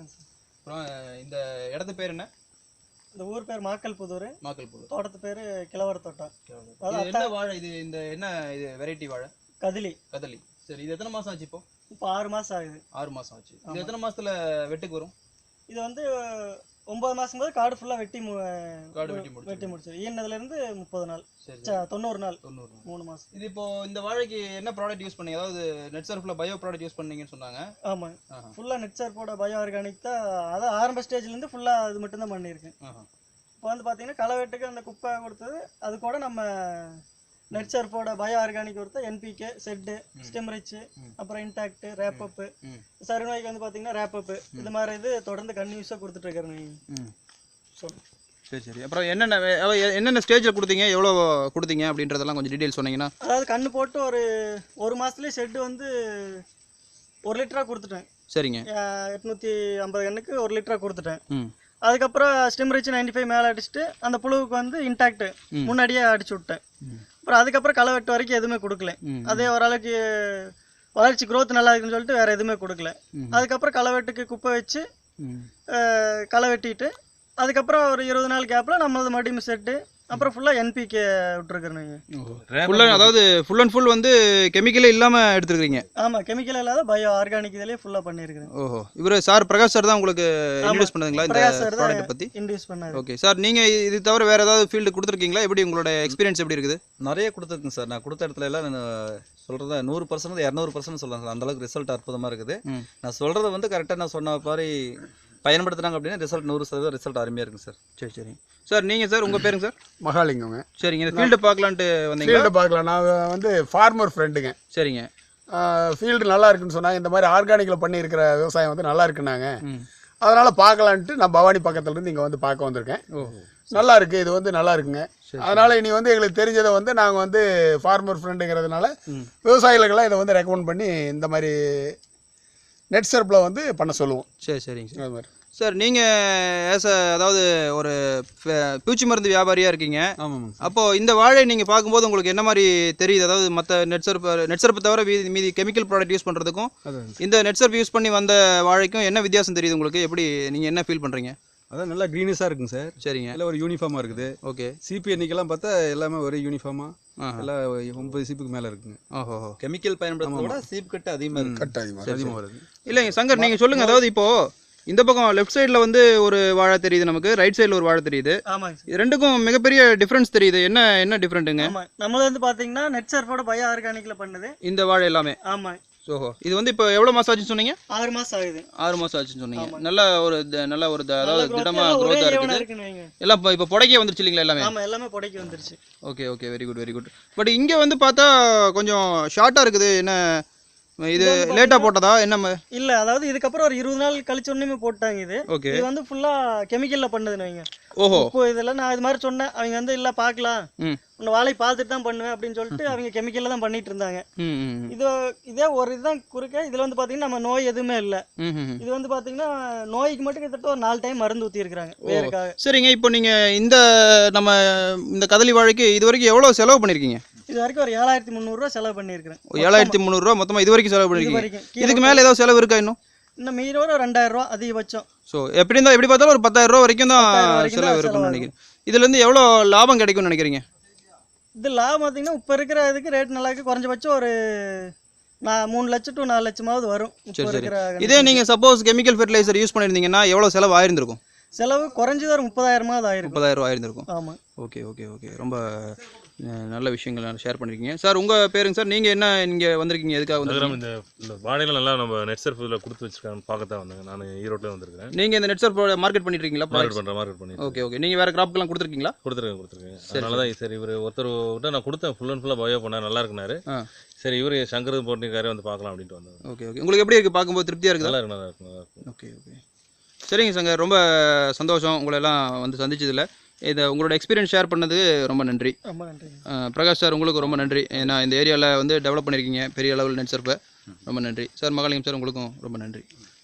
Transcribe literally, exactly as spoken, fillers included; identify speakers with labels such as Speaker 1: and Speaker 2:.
Speaker 1: Sir.
Speaker 2: அப்புறம் இந்த இடத்து பேர் என்ன?
Speaker 1: இந்த ஊர் பேர் மாக்கல்புதூர்.
Speaker 2: மாக்கல்புதூர்.
Speaker 1: தோட்டத்து பேர் கிழவர் தோட்டம்.
Speaker 2: இது என்ன வாழை? இது இந்த என்ன இது வெரைட்டி வாழை?
Speaker 1: கதலி.
Speaker 2: கதலி. சரி, இது எத்தனை மாசம் ஆச்சு இப்போ?
Speaker 1: இப்போ ஆறு மாசம் ஆகுது.
Speaker 2: ஆறு மாசம் ஆச்சு. இது எத்தனை மாசத்துல வெட்டுக்கு வரும்?
Speaker 1: இது வந்து ஒன்பது மாசம் போது காடு ஃபுல்லா வெட்டி
Speaker 2: காடு வெட்டி முடிச்சு
Speaker 1: வெட்டி முடிச்சு ஈனதுல இருந்து முப்பது நாள்.
Speaker 2: சரி,
Speaker 1: தொண்ணூறு நாள்.
Speaker 2: தொண்ணூறு நாள்.
Speaker 1: மூணு மாசம்.
Speaker 2: இது இப்போ இந்த வாழைக்கு என்ன ப்ராடக்ட் யூஸ் பண்ணீங்க? அதாவது நெட் சர்ஃப்ல பயோ ப்ராடக்ட் யூஸ் பண்ணீங்கன்னு சொன்னாங்க.
Speaker 1: ஆமா, ஃபுல்லா நெட் சர்ஃபோட பயோ ஆர்கானிக் தான். அதான் ஆரம்ப ஸ்டேஜ்ல இருந்து ஃபுல்லா அது மட்டும் தான் பண்ணியிருக்கேன். இப்போ வந்து பாத்தீங்கன்னா களை வெட்டுக்கு அந்த குப்பை கொடுத்தது, அது கூட நம்ம நெட் சர்ஃபோட பயோ ஆர்கானிக் கொடுத்தா என்பிகே, செட்டு, ஸ்டெம் ரிச், அப்புறம் இன்டாக்ட், ரேப் அப், சருநோய்க்கு வந்து பாத்தீங்கன்னா ரேப் அப், இந்த மாதிரி இது தொடர்ந்து கன்யூஸா கொடுத்துட்டு இருக்கிறேன். சொல்லு.
Speaker 2: சரி சரி. அப்புறம் என்னென்ன என்னென்ன ஸ்டேஜில் கொடுத்தீங்க, எவ்வளோ கொடுத்தீங்க அப்படின்றதெல்லாம் கொஞ்சம் டீட்டெயில் சொன்னீங்கன்னா.
Speaker 1: அதாவது கண்ணு போட்டு ஒரு ஒரு மாதத்துலேயே ஷெட்டு வந்து ஒரு லிட்டராக கொடுத்துட்டேன்.
Speaker 2: சரிங்க.
Speaker 1: எட்நூற்றி ஐம்பது கண்ணுக்கு ஒரு லிட்டராக கொடுத்துட்டேன். அதுக்கப்புறம் ஸ்டெம் ரிச் நைன்டி ஃபைவ் மேலே அடிச்சுட்டு அந்த புழுவுக்கு வந்து இன்டாக்ட் முன்னாடியே அடிச்சு விட்டேன். அப்புறம் அதுக்கப்புறம் களை வெட்டு வரைக்கும் எதுவுமே கொடுக்கல. அதே ஓரளவுக்கு வளர்ச்சி க்ரோத் நல்லா இருக்குன்னு சொல்லிட்டு வேறு எதுவுமே கொடுக்கல. அதுக்கப்புறம் களை வெட்டுக்கு குப்பை வச்சு களை வெட்டிட்டு அதுக்கப்புறம் ஒரு இருபது நாள் கேப்பில் நம்மளது மறுபடியும் செட்டு, அப்புறம் ஃபுல்லாக என்பிகே விட்டுருக்குறேங்க.
Speaker 2: அதாவது ஃபுல் அண்ட் ஃபுல் வந்து கெமிக்கலே இல்லாமல் எடுத்துருக்கீங்க?
Speaker 1: ஆமாம், கெமிக்கல் இல்லாத பயோ ஆர்கானிக் இதிலே ஃபுல்லாக பண்ணியிருக்கிறேன்.
Speaker 2: ஓஹோ. இவர் சார் பிரகாஷ் சார் தான் உங்களுக்கு இன்ட்ரடியூஸ் பண்ணதுங்களா இந்த ப்ராடக்ட் பற்றி?
Speaker 1: இன்ட்ரடியூஸ் பண்ணாரு.
Speaker 2: ஓகே சார், நீங்கள் இது தவிர வேறு ஏதாவது ஃபீல்டு கொடுத்துருக்கீங்களா? எப்படி உங்களோட எக்ஸ்பீரியன்ஸ் எப்படி இருக்குது?
Speaker 3: நிறைய கொடுத்துருக்குங்க சார். நான் கொடுத்த இடத்துல எல்லாம் நான் சொல்கிறத நூறு பர்சன்ட் இரநூறு பர்சன்ட் சொல்லலாம் சார். அந்தளவுக்கு ரிசல்ட் அற்புதமாக இருக்குது. நான் சொல்கிறத வந்து கரெக்டாக நான் சொன்ன மாதிரி பயன்படுத்துறாங்க அப்படின்னா ரிசல்ட் நூறு சதவீதம் ரிசல்ட் அருமையாக இருக்குங்க சார்.
Speaker 2: சரி சரி சார். நீங்கள் சார் உங்கள் பேருங்க சார்?
Speaker 4: மகாலிங்கங்க.
Speaker 2: சரிங்க. இந்த ஃபீல்டு பார்க்கலான்ட்டு வந்தீங்க?
Speaker 4: ஃபீல்டு பார்க்கலாம். நான் வந்து ஃபார்மர் ஃப்ரெண்டுங்க.
Speaker 2: சரிங்க.
Speaker 4: ஃபீல்டு நல்லா இருக்குன்னு சொன்னாங்க. இந்த மாதிரி ஆர்கானிக்கில் பண்ணியிருக்கிற விவசாயம் வந்து நல்லா இருக்குன்னாங்க. அதனால் பார்க்கலான்ட்டு நான் பவானி பக்கத்துலேருந்து இங்கே வந்து பார்க்க வந்திருக்கேன். நல்லா இருக்குது, இது வந்து நல்லா இருக்குங்க. அதனால் இனி வந்து எங்களுக்கு தெரிஞ்சதை வந்து நாங்கள் வந்து ஃபார்மர் ஃப்ரெண்டுங்கிறதுனால விவசாயிகளுக்கெல்லாம் இதை வந்து ரெக்கமெண்ட் பண்ணி இந்த மாதிரி நெட் சர்ஃபில் வந்து பண்ண சொல்லுவோம்.
Speaker 2: சரி சரிங்க சார்.
Speaker 4: அது மாதிரி
Speaker 2: சார் நீங்கள் ஆஸ் அ அதாவது ஒரு பூச்சி மருந்து வியாபாரியாக இருக்கீங்க.
Speaker 3: ஆமாம்.
Speaker 2: அப்போது இந்த வாழை நீங்கள் பார்க்கும்போது உங்களுக்கு என்ன மாதிரி தெரியுது? அதாவது மற்ற நெட் சர்ஃப் நெட் சர்ஃப் தவிர மீதி மீதி கெமிக்கல் ப்ராடக்ட் யூஸ் பண்ணுறதுக்கும் இந்த நெட் சர்ஃப் யூஸ் பண்ணி வந்த வாழைக்கும் என்ன வித்தியாசம் தெரியுது உங்களுக்கு? எப்படி நீங்கள் என்ன ஃபீல் பண்ணுறீங்க?
Speaker 3: அதான் நல்லா க்ரீனஸாக இருக்குங்க சார்.
Speaker 2: சரிங்க.
Speaker 3: எல்லாம் ஒரு யூனிஃபார்மாக இருக்குது.
Speaker 2: ஓகே.
Speaker 3: சிபி எண்ணிக்கெல்லாம் பார்த்தா எல்லாமே ஒரே யூனிஃபார்மாக எல்லாம் ஒன்பது சீப்புக்கு மேலே இருக்குங்க.
Speaker 2: ஓஹோ.
Speaker 3: கெமிக்கல் பயன்படுத்துறத சீப் கட்டு அதிகமாக இருக்குது.
Speaker 4: கட்டு அதிகமாக
Speaker 3: அதிகமாக வருது.
Speaker 2: இல்லைங்க சங்கர், நீங்கள் சொல்லுங்கள். அதாவது இப்போது இந்த பக்கம் லெஃப்ட் சைடில் வந்து ஒரு வாழை தெரியுது, நமக்கு ரைட் சைடில் ஒரு வாழை தெரியுது.
Speaker 1: ஆமாங்க.
Speaker 2: இது ரெண்டுக்கும் மிகப்பெரிய டிஃப்ரென்ஸ் தெரியுது. என்ன என்ன டிஃப்ரெண்ட்டுங்க?
Speaker 1: ஆமாம், நம்மளது வந்து பார்த்தீங்கன்னா நெட் சர்ஃபோட பயோ ஆர்கானிக்கில் பண்ணுது
Speaker 2: இந்த வாழை எல்லாமே.
Speaker 1: ஆமாம்.
Speaker 2: ஓஹோ. இது வந்து இப்போ எவ்வளோ மாதம் ஆச்சுன்னு சொன்னீங்க?
Speaker 1: ஆறு மாதம் ஆகுது.
Speaker 2: ஆறு மாதம் ஆச்சுன்னு சொன்னீங்க. நல்ல ஒரு நல்ல ஒரு அதாவது திடமாக க்ரோத்தாக இருக்குது. எல்லாம் இப்போ இப்போ புடைக்க வந்துருச்சு இல்லைங்களா எல்லாமே?
Speaker 1: ஆமாம், எல்லாமே புடைக்க வந்துருச்சு.
Speaker 2: Okay okay, very good very good. But இங்கே வந்து பார்த்தா கொஞ்சம் ஷார்ட்டாக இருக்குது. என்ன இது லேட்டாக போட்டதா என்ன?
Speaker 1: இல்லை, அதாவது இதுக்கப்புறம் ஒரு இருபது நாள் கழிச்ச உடனே போட்டாங்க. இது
Speaker 2: ஓகே.
Speaker 1: இது வந்து ஃபுல்லாக கெமிக்கலில் பண்ணுதுன்னு வைங்க.
Speaker 2: ஓஹோ.
Speaker 1: இப்போ இதெல்லாம் நான் இது மாதிரி சொன்னேன். அவங்க வந்து இல்லை பார்க்கலாம், உன்னை வாழை பார்த்துட்டு தான் பண்ணுவேன் அப்படின்னு சொல்லிட்டு அவங்க கெமிக்கலில் தான் பண்ணிட்டு இருந்தாங்க. இது இதே ஒரு இதுதான் குறுக்க. இதில் வந்து பார்த்தீங்கன்னா நம்ம நோய் எதுவுமே இல்லை. இது வந்து பார்த்தீங்கன்னா நோய்க்கு மட்டும் கிட்டத்தட்ட ஒரு நாலு டைம் மருந்து ஊற்றி இருக்கிறாங்க வேறுக்காக.
Speaker 2: சரிங்க. இப்போ நீங்கள் இந்த நம்ம இந்த கதலி வாழைக்கு இது வரைக்கும் எவ்வளோ செலவு பண்ணியிருக்கீங்க?
Speaker 1: இது வரைக்கும் ஒரு ஏழாயிரத்தி முந்நூறுரூவா செலவு பண்ணியிருக்கிறேன்.
Speaker 2: ஏழாயிரத்தி முந்நூறுரூவா மொத்தமாக இது வரைக்கும் செலவு பண்ணியிருக்கீங்க. இதுக்கு மேலே ஏதாவது செலவு இருக்கா இன்னும்?
Speaker 1: இன்னும் மீறி ஒரு ரெண்டாயிரம் ரூபா அதிகபட்சம்.
Speaker 2: ஸோ எப்படி இருந்தால் எப்படி பார்த்தாலும் ஒரு பத்தாயிரம் ரூபா வரைக்கும் தான் செலவு இருக்குன்னு நினைக்கிறேன். இதுலேருந்து எவ்வளோ லாபம் கிடைக்கும்னு நினைக்கிறீங்க?
Speaker 1: இது லாபம் பார்த்தீங்கன்னா இப்போ இருக்கிற இதுக்கு ரேட் நல்லா இருக்குது. குறைஞ்சபட்சம் ஒரு நான் மூணு லட்சம் டு நாலு லட்சமாவது வரும்.
Speaker 2: சரி சரி. இதே நீங்கள் சப்போஸ் கெமிக்கல் ஃபெர்டிலைசர் யூஸ் பண்ணியிருந்தீங்கன்னா எவ்வளோ செலவு ஆயிருந்திருக்கும்?
Speaker 1: செலவு குறைஞ்சது ஒரு முப்பதாயிரமாவது ஆயிருக்கும்.
Speaker 2: முப்பதாயிரம் ரூபா ஆயிருந்திருக்கும்.
Speaker 1: ஆமாம்.
Speaker 2: Okay okay okay. ரொம்ப நல்ல விஷயங்கள் ஷேர் பண்ணிருக்கீங்க சார். உங்கள் பேருங்க சார்? நீங்கள் என்ன இங்கே வந்திருக்கீங்க? எதுக்காக வந்து
Speaker 5: இந்த இந்த வாழைகள் நல்லா நம்ம நெட் சர்ஃபில் கொடுத்து வச்சிருக்காங்க பார்க்க தான் வந்தாங்க. நான் ஈரோட்டில் வந்திருக்கேன்.
Speaker 2: நீங்கள் இந்த நெட் சர்ஃப் மார்க்கெட் பண்ணிட்டு இருக்கீங்களா?
Speaker 5: மார்க்கெட் பண்ணுறேன் மார்க்கெட் பண்ணி.
Speaker 2: Okay okay. நீங்கள் வேறு கிராப்க்கெல்லாம் கொடுத்துருக்கீங்களா?
Speaker 5: கொடுத்துருக்கேன் கொடுத்துருக்கேன். அதனால தான் சரி இவர் ஒருத்தர் விட்டு நான் கொடுத்தேன். ஃபுல் அண்ட் ஃபுல்லாக பயோ பண்ணார், நல்லா இருக்குனாரு. சரி இவர் சங்கர் போட்டிருக்காரு, வந்து பார்க்கலாம் அப்படின்ட்டு வந்தாங்க.
Speaker 2: Okay okay. உங்களுக்கு எப்படி இருக்குது? பார்க்கும்போது திருப்தியாக இருக்குது?
Speaker 5: நல்லா இருக்கு நல்லா இருக்கு நல்லா இருக்கு.
Speaker 2: Okay okay. சரிங்க சங்கர், ரொம்ப சந்தோஷம் உங்களை எல்லாம் வந்து சந்திச்சதில்லை. இதை உங்களோட எக்ஸ்பீரியன்ஸ் ஷேர் பண்ணது ரொம்ப நன்றி.
Speaker 1: ரொம்ப நன்றி
Speaker 2: பிரகாஷ் சார், உங்களுக்கு ரொம்ப நன்றி. ஏன்னா இந்த ஏரியாவில் வந்து டெவலப் பண்ணியிருக்கீங்க பெரிய அளவில் நெட் சர்ஃபை. ரொம்ப நன்றி சார். மகாலிங்கம் சார், உங்களுக்கும் ரொம்ப நன்றி.